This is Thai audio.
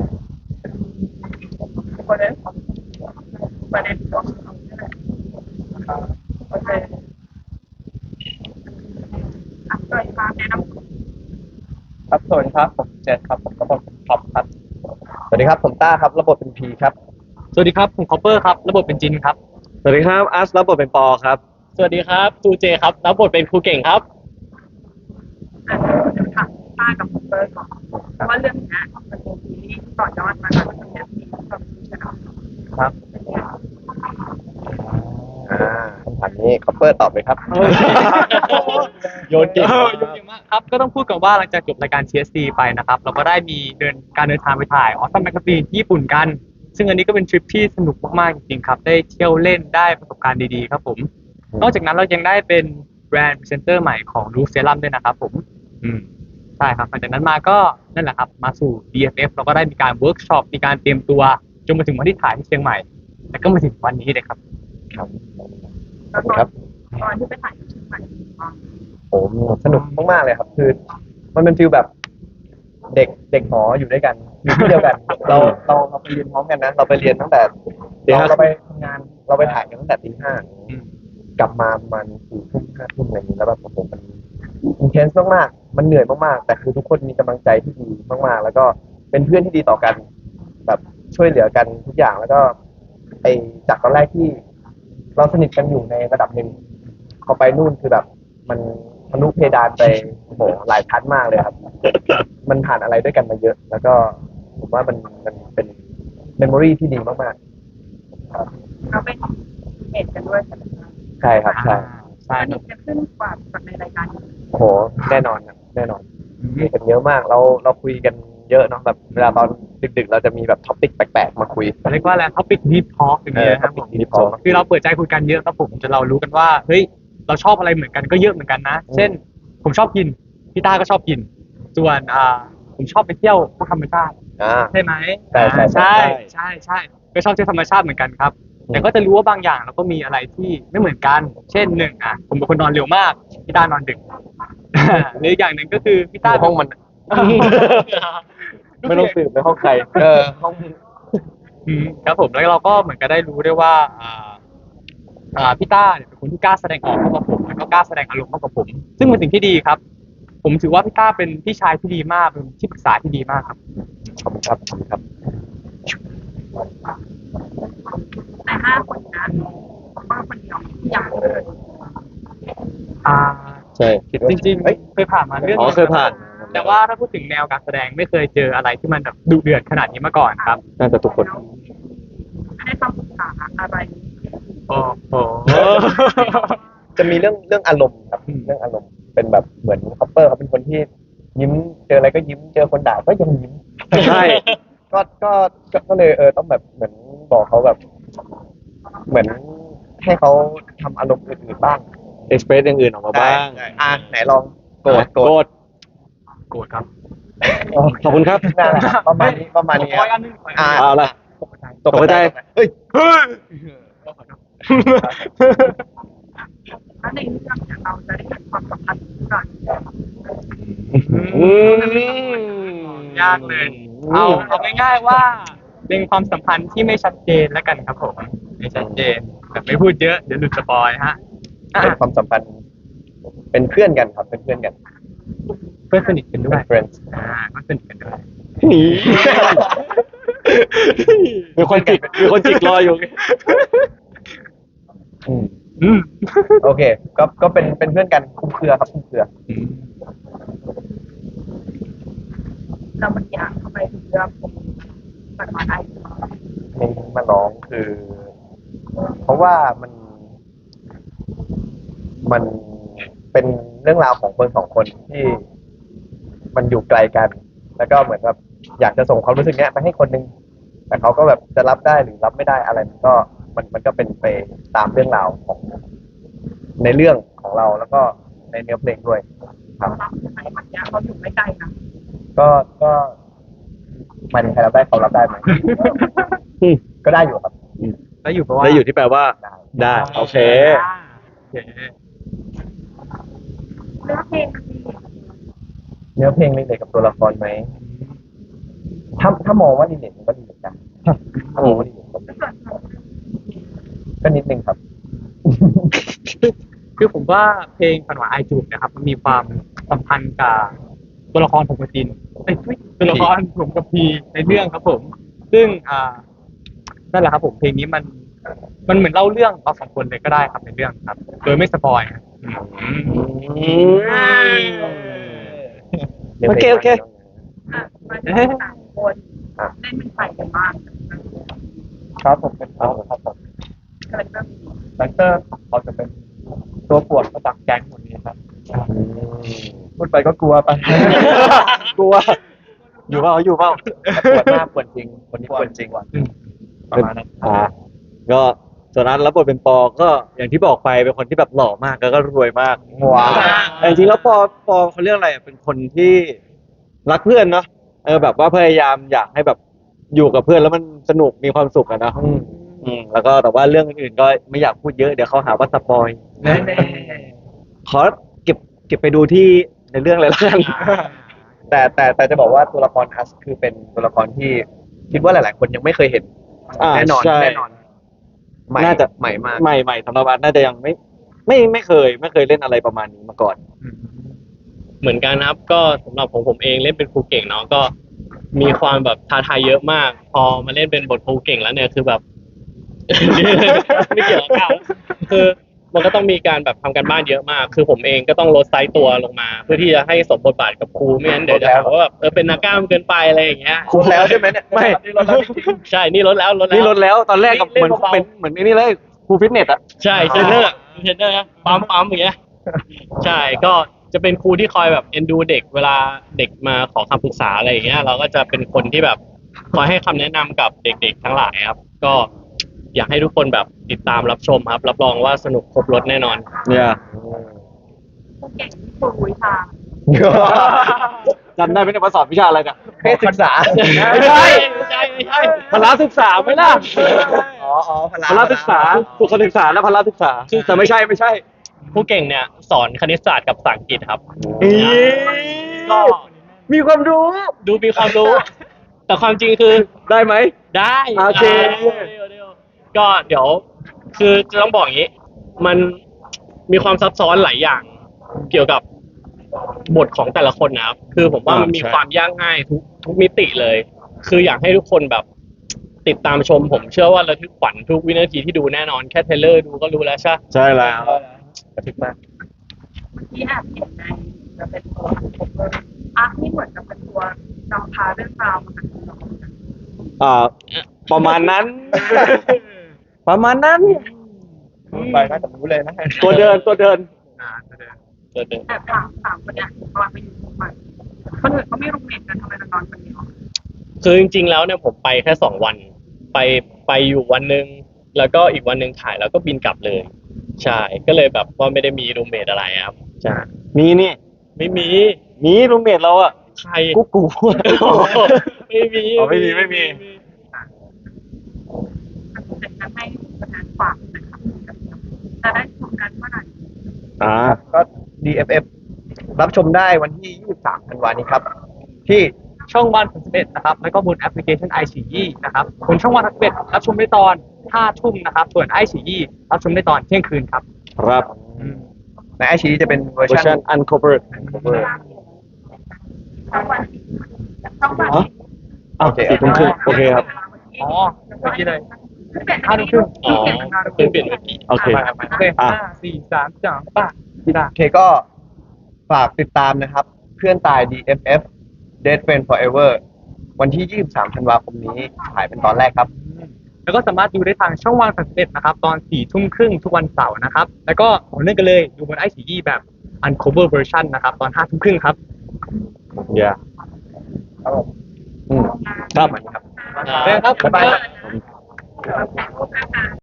ประเด็นของประเด็นของเราเนี่ยแหละโอเคโดยการแนะนำครับสวัสดีครับผมเจษครับผมรับบทเป็นท็อปครับสวัสดีครับผมต้าครับรับบทเป็นพีครับสวัสดีครับผมคอปเปอร์ครับรับบทเป็นจินครับสวัสดีครับอัสรับบทเป็นปอครับสวัสดีครับทูเจครับรับบทเป็นครูเก่งครับเดี๋ยวถามป้ากับคุณเบิร์ดก่อนเพราะว่าเรื่องนี้มันเป็นซีรีส์ต่อยอดมาจากเรื่องนี้กับพี่ชนะครับคำถามนี้คอปเปอร์ตอบเลยครับโยนเก่งโยนเก่งมากครับก็ต้องพูดกันว่าหลังจากจบรายการ TSD ไปนะครับเราก็ได้มีการเดินทางไปถ่ายออสตัมแมกกาซีนที่ญี่ปุ่นกันซึ่งอันนี้ก็เป็นทริปที่สนุกมากๆจริงๆครับได้เที่ยวเล่นได้ประสบการณ์ดีๆครับผมนอกจากนั้นเรายังได้เป็นแบรนด์พรีเซนเตอร์ใหม่ของลูเซรั่มด้วยนะครับผมใช่ครับหลังจากนั้นมาก็นั่นแหละครับมาสู่ DFF เราก็ได้มีการเวิร์กช็อปมีการเตรียมตัวจนมาถึงวันที่ถ่ายที่เชียงใหม่แล้วก็มาถึงวันนี้เลยครับครับแล้วตอนที่ไปถ่ายที่เชียงใหม่ผมสนุกมากๆเลยครับคือมันเป็นฟิลแบบเด็กหออยู่ด้วยกันอยู่ที่เดียวกันเราไปเรียนพร้อมกันนะเราไปเรียนตั้งแต่เราไปทำงานเราไปถ่ายกันตั้งแต่ตี 5กลับมาประมาณ4 ทุ่ม 5 ทุ่มอะไรอย่างนี้แล้วแบบผมมันอินเทนส์มากๆมันเหนื่อยมากๆแต่คือทุกคนมีกำลังใจที่ดีมากๆแล้วก็เป็นเพื่อนที่ดีต่อกันแบบช่วยเหลือกันทุกอย่างแล้วก็ไอจากตอนแรกที่เราสนิทกันอยู่ในระดับหนึ่งพอไปนู่นคือแบบมันทะลุเพดานไปโอ้โหหลายชั้นมากเลยครับมันผ่านอะไรด้วยกันมาเยอะ แล้วก็ผมว่ามันเป็นเมมโมรีที่ดีมากๆครับเราเป็นเหตุกันด้วยใช่ไหมคะใช่ครับใช่อันนี้จะขึ้นกว่าในรายการโอ้โหแน่นอนครับแน่นอนมีกันเยอะมากเราคุยกันเยอะเนาะแบบเวลาตอนดึกๆเราจะมีแบบท็อปิกแปลกๆมาคุยเรียกว่าอะไรท็อปิกดีทอล์กอย่างเงี้ยครับผม Deep Talk คือเราเปิดใจคุยกันเยอะครับผมจนเรารู้กันว่าเฮ้ยเราชอบอะไรเหมือนกันก็เยอะเหมือนกันนะเช่นผมชอบกินพี่ต้าก็ชอบกินส่วนผมชอบไปเที่ยวพวกธรรมชาติใช่ไหมใช่ใช่ใช่ก็ชอบเที่ยวธรรมชาติเหมือนกันครับแต่ก็จะรู้ว่าบางอย่างเราก็มีอะไรที่ไม่เหมือนกันเช่นหนึ่งผมเป็นคนนอนเร็วมากพี่ต้านอนดึกหรืออีกอย่างหนึ่งก็คือพี่ต้าห้องมัน ไม่ต้องสืบในห้องใครห้องครับผมแล้วเราก็เหมือนกับได้รู้ด้วยว่าพี่ต้าเนี่ยเป็นคนที่กล้าแสดงออกมากกว่าผมแล้วก็กล้าแสดงอารมณ์มากกว่าผมซึ่งเป็นสิ่งที่ดีครับผมถือว่าพี่ต้าเป็นพี่ชายที่ดีมากเป็นที่ปรึกษาที่ดีมากครับขอบคุณครับขอบคุณครับใน5 คนนะผมว่าคนเดียวที่ยังไม่เคยใช่จริงๆเคยผ่านมาเรื่องเคยผ่านแต่ว่าถ้าพูดถึงแนวการแสดงไม่เคยเจออะไรที่มันแบบดุเดือดขนาดนี้มาก่อนครับน่าจะทุกคนให้คำปรึกษาอะไรโอ้โหจะมีเรื่องอารมณ์ครับเรื่องอารมณ์เป็นแบบเหมือนคอปเปอร์เขาเป็นคนที่ยิ้มเจออะไรก็ยิ้มเจอคนด่าก็ยังยิ้มใช่ก็เลยต้องแบบเหมือนบอกเขาแบบเหมือนให้เขาทำอารมณ์อื่นๆบ้างเอ็กซ์เพรสอย่างอื่นออกมาบ้างไหนลองโกรธครับขอบคุณครับนั่นแหละประมาณนี้เอาละตกใจเฮ้ยถ้าในเรื่องเนี่ยเราจะได้เห็นความสัมพันธ์กันยากเลยเอาง่ายๆว่าเป็นความสัมพันธ์ที่ไม่ชัดเจนแล้วกันครับผมไม่ชัดเจนแต่ไม่พูดเยอะเดี๋ยวหลุดสปอยฮะเป็นความสัมพันธ์เป็นเพื่อนกันครับเป็นเพื่อนกันเพื่อนสนิทกันด้วย friends ก็สนิทกันด้วยมีคนจิกรออยู่โอเคก็เป็นเพื่อนกันคุ้มเครือครับคุ้มเครือเรามันอยากเข้าไปถึงเรื่องมันมาได้เพลงมาร้องคือ เพราะว่ามันเป็นเรื่องราวของคนสองคนที่มันอยู่ไกลกัน แล้วก็เหมือนแบบอยากจะส่งความรู้สึกเนี้ยไปให้คนนึงแต่เขาก็แบบจะรับได้หรือรับไม่ได้อะไรมันก็เป็นไปตามเรื่องราวของในเรื่องของเราแล้วก็ในเนื้อเพลงด้วยครับในวันนี้เขาอยู่ไม่ไกลนะก็มันใครรับได้เขารับได้ไหมก็ได้อยู่ครับได้อยู่เพราะว่าได้อยู่ที่แปลว่าได้โอเคเนื้อเพลงรีเลทกับตัวละครไหมถ้ามองว่ารีเลทมันก็ดีเหมือนกันถ้ามองว่ารีเลทก็นิดนึงครับคือผมว่าเพลงฝันหวานไอจูบนะครับมันมีความสัมพันธ์กับตัวละครผมกับจินตัวละครผมกับพีในเรื่องครับผมซึ่งนั่นแหละครับผมเพลงนี้มันเหมือนเล่าเรื่องเราสองคนเลยก็ได้ครับในเรื่องครับโดยไม่สปอยครับโอเคโอเคมาถึงสามคนเล่นเป็นใครกันบ้างครับผมเป็นเขาครับผมคาแรคเตอร์คาแรคเตอร์เขาจะเป็นตัวปวดประจักแก๊งหมดนี้ครับพูดไปก็กลัวไปกลัวอยู่เปล่าปวดมากปวดจริงคนนี้ปวดจริงประมาณนั้นก็ส่วนนั้นรับบทเป็นปอก็อย่างที่บอกไปเป็นคนที่แบบหล่อมากแล้วก็รวยมากว้าวแต่จริงๆแล้วปอเขาเรียกอะไรอ่ะเป็นคนที่รักเพื่อนเนาะแบบว่าพยายามอยากให้แบบอยู่กับเพื่อนแล้วมันสนุกมีความสุขอะเนาะแล้วก็แต่ว่าเรื่องอื่นๆก็ไม่อยากพูดเยอะเดี๋ยวเขาหาว่าสปอยขอเก็บไปดูที่ในเรื่องเลยละกันแต่จะบอกว่าตัวละครอัสคือเป็นตัวละครที่คิดว่าหลาย ๆ คนยังไม่เคยเห็นแน่นอนใช่แน่นอนใหม่น่าจะใหม่มากใหม่สำหรับอันน่าจะยังไม่เคยเล่นอะไรประมาณนี้มาก่อนเหมือนกันครับก็สำหรับผมเองเล่นเป็นครูเก่งเนาะก็มีความแบบท้าทายเยอะมาก พอมาเล่นเป็นบทครูเก่งแล้วเนี่ยคือแบบ ไม่เกี่ยวกับเขาคือมันก็ต้องมีการแบบทำการบ้านเยอะมาก คือผมเองก็ต้องลดไซส์ตัวลงมา เพื่อที่จะให้สมบทบาทกับครูไม่งั้นเดี๋ยวจะหาว่าแบบเป็นนักกล้ามเกินไปอะไรอย่างเงี้ยคุณแล้วใช่ไหมเนี่ยไม่นี่เราแล้วจริงใช่นี่ลดแล้วนี่ลดแล้วตอนแรกกับเหมือนเล่นเบาๆเป็นเหมือนไอ้นี่เลยครูฟิตเนสอะใช่เทรนเนอร์นะปั๊มอย่างเงี้ยใช่ก็จะเป็นครูที่คอยแบบเอ็นดูเด็กเวลาเด็กมาขอคำปรึกษาอะไรอย่างเงี้ยเราก็จะเป็นคนที่แบบคอยให้คำแนะนำกับเด็กๆทั้งหลายครับ ก็อยากให้ทุกคนแบบติดตามรับชมครับ รับรองว่าสนุกครบรถแน่นอนเนี่ยผู้เก่งที่ครูวิชาจำได้ไหมเนี่ยมาสอนวิชาอะไรเนี่ยเพศศึกษาไม่ใช่ไม่ใช่พละศึกษาไหมล่ะอ๋อพพละศึกษาสุขศึกษาและพละศึกษาแต่ไม่ใช่ผู้เก่งเนี่ยสอนคณิตศาสตร์กับภาษาอังกฤษครับก็มีความรู้ดูมีความรู้ แต่ความจริงคือได้ไหมได้โอเคเดี๋ยวก็เดี๋ยวคือจะต้องบอกอย่างนี้ มันมีความซับซ้อนหลายอย่างเกี่ยวกับบทของแต่ละคนนะครับ คือผมว่ามันมีความยากง่ายทุกมิติเลย คืออยากให้ทุกคนแบบติดตามชม ผมเชื่อว่าระทึกขวัญทุกวินาทีที่ดูแน่นอนแค่เทรลเลอร์ดูก็รู้แล้วใช่ใช่แล้วกระทึกมากเมื่อกี้แอบเห็นในจะเป็นตัวผมอาร์คนี่เหมือนกับเป็นตัวนำพาเรื่องราวมาจากเราประมาณนั้น ประมาณนั้นไปน่าจะรู้เลยนะตัวเดินเดินแอบถามคนเนี้ยตอนไปอยู่ที่ใหม่คนอื่นเขาไม่รูมเมทกันทำไมเรานอนคนเดียวคือจริงๆแล้วเนี่ยผมไปแค่2 วัน ไปอยู่วันหนึ่งแล้วก็อีกวันหนึ่งถ่ายแล้วก็บินกลับเลย ใช่ก็เลยแบบว่าไม่ได้มีรูมเมทอะไรครับใช่มีนี่ไม่มีมีรูมเมทเราอะใครกูไม่มีอ๋อไม่มีเป็นการให้ประธานฝากนะครับจะได้ชมกันเมื่อไหร่ก็ DFF รับชมได้วันที่ 23 ธันวาคมนี้ครับ ที่ช่องวัน31นะครับแล้วก็บนแอปพลิเคชัน iQIYI นะครับบนช่องวัน31รับชมได้ตอน5 ทุ่มนะครับส่วน iQIYI รับชมได้ตอนเที่ยงคืนครับครับในไอชีจะเป็นเวอร์เวอร์ชัชันน uncovered ช่องวันช่องวันอ้าว4 ทุ่มครึ่งโอเคครับอ๋อเมื่อกี้เลย 5 ทุ่มครึ่งอ๋อเพิ่งเปลี่ยนเมื่อกี้โอเคโอเค5 4 3 2ป่ะพี่ดาโอเคก็ฝากติดตามนะครับ เพื่อนตาย DFF Dead Friend Forever วันที่ 23 ธันวาคมนี้ถ่ายเป็นตอนแรกครับแล้วก็สามารถดูได้ทางช่องวัน31นะครับตอน4 ทุ่มครึ่งทุกวันเสาร์นะครับแล้วก็ต่อเนื่องกันเลยดูบน iQIYI แบบ uncover version นะครับตอน5 ทุ่มครึ่งครับ yeah ครับผมครับครับครับบ๊ายบาย